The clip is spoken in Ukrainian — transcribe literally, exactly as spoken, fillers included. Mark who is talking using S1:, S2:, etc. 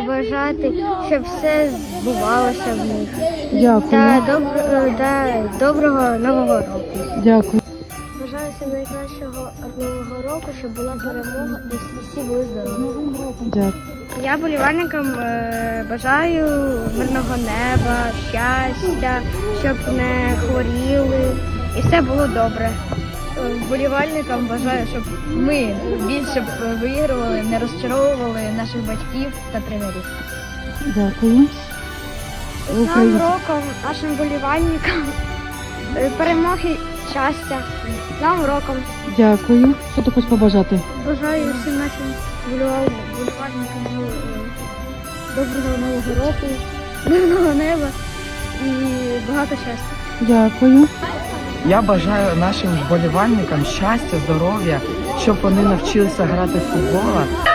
S1: побажати, щоб все збувалося в них.
S2: Дякую.
S1: Та, добро, та доброго Нового року.
S2: Дякую.
S1: Бажаю всім найкращого Нового року, щоб була перемога і всі були здорові.
S2: Дякую.
S1: Я болівальникам е, бажаю мирного неба, щастя, щоб не хворіли і все було добре. Вболівальникам бажаю, щоб ми більше вигравали, не розчаровували наших батьків та тренерів.
S2: Дякую.
S1: З Новим роком нашим вболівальникам е, перемоги, щастя. З Новим роком.
S2: Дякую. Що ти хочеш побажати?
S1: Бажаю всім нашим вболівальникам е, доброго Нового року, мирного неба і багато щастя.
S2: Дякую.
S3: Я бажаю нашим вболівальникам щастя, здоров'я, щоб вони навчилися грати в футбол,